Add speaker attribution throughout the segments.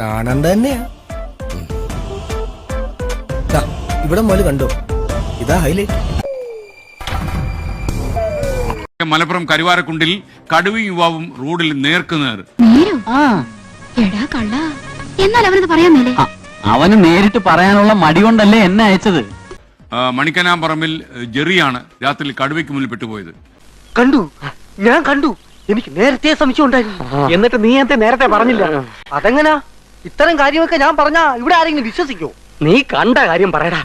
Speaker 1: കാണണ്ട തന്നെയാ. ഇവിടെ മുതൽ കണ്ടോ, ഇതാ ഹൈലൈറ്റ്.
Speaker 2: മലപ്പുറം കരുവാരക്കുണ്ടിൽ കടുവയും യുവാവും റോഡിൽ നേർക്കുനേർ.
Speaker 3: അവന് നേരിട്ട് പറയാനുള്ള മടി കൊണ്ടല്ലേ എന്നെ അയച്ചത്.
Speaker 2: മണിക്കനാമ്പറമ്പിൽ ജെറിയാണ് രാത്രി കടുവയ്ക്ക് മുന്നിൽ പെട്ടുപോയത്.
Speaker 4: കണ്ടു, ഞാൻ കണ്ടു. എനിക്ക് നേരത്തെ സംശയം ഉണ്ടായിരുന്നു. എന്നിട്ട് നീ എന്തേ നേരത്തെ പറഞ്ഞില്ല? അതെങ്ങനാ? ഇത്തരം കാര്യമൊക്കെ ഞാൻ പറഞ്ഞാ ഇവിടെ ആരെങ്കിലും വിശ്വസിക്കോ? നീ കണ്ട കാര്യം പറയടാ.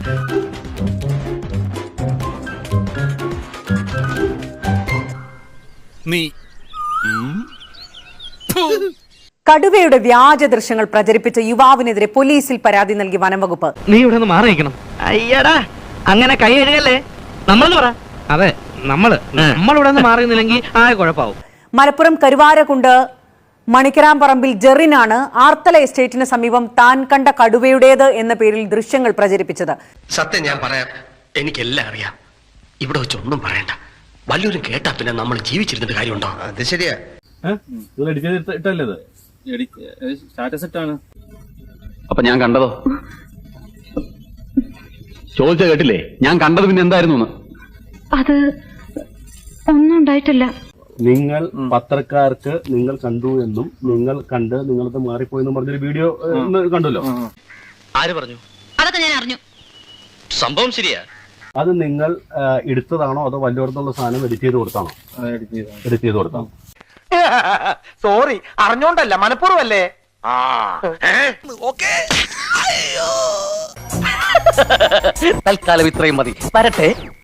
Speaker 5: കടുവയുടെ വ്യാജ ദൃശ്യങ്ങൾ പ്രചരിപ്പിച്ച യുവാവിനെതിരെ പോലീസിൽ പരാതി നൽകി വനംവകുപ്പ്.
Speaker 4: നീ ഇവിടെ നിന്ന് മാറി നിൽക്കണം. അയ്യടാ, അങ്ങനെ കൈ എഴുകല്ലേ. നമ്മളെന്ന് പറ. അതെ, നമ്മളിവിടെ നിന്ന് മാറിയില്ലെങ്കിൽ ആകെ കുഴപ്പാവും.
Speaker 5: മലപ്പുറം കരുവാരക്കുണ്ട് മണിക്കരാമ്പറമ്പിൽ ജെറിനാണ് ആർത്തല എസ്റ്റേറ്റിന് സമീപം താൻ കണ്ട കടുവയുടേത് എന്ന പേരിൽ ദൃശ്യങ്ങൾ പ്രചരിപ്പിച്ചത്.
Speaker 6: സത്യം ഞാൻ പറയാം, എനിക്കെല്ലാം അറിയാം. ഇവിടെ വെച്ചൊന്നും പറയണ്ട. വല്ലവരും കേട്ടാ പിന്നെ നമ്മൾ ജീവിച്ചിരുന്നിട്ട് കാര്യമുണ്ടോ? അത് ശരിയാ.
Speaker 3: അപ്പൊ ഞാൻ കണ്ടതോ? ചോദിച്ച കേട്ടില്ലേ? ഞാൻ കണ്ടത് പിന്നെ എന്തായിരുന്നു?
Speaker 7: അത് ഒന്നും ഉണ്ടായിട്ടില്ല.
Speaker 8: നിങ്ങൾ പത്രക്കാർക്ക് നിങ്ങൾ കണ്ടു എന്നും നിങ്ങൾ കണ്ട് നിങ്ങളത് മാറിപ്പോയെന്നും പറഞ്ഞൊരു വീഡിയോ കണ്ടല്ലോ.
Speaker 6: ആര് പറഞ്ഞു?
Speaker 7: അതൊക്കെ ഞാൻ അറിഞ്ഞു.
Speaker 6: സംഭവം ശരിയാ.
Speaker 8: അത് നിങ്ങൾ എടുത്തതാണോ അതോ വല്ലയിടത്തുള്ള സാധനം എഡിറ്റ് ചെയ്ത് കൊടുത്താണോ? എഡിറ്റ് ചെയ്ത് കൊടുത്താണോ?
Speaker 4: സോറി, അറിഞ്ഞോണ്ടല്ല, മനഃപൂർവ്വമല്ലേ. തൽക്കാലം ഇത്രയും മതി. വരട്ടെ.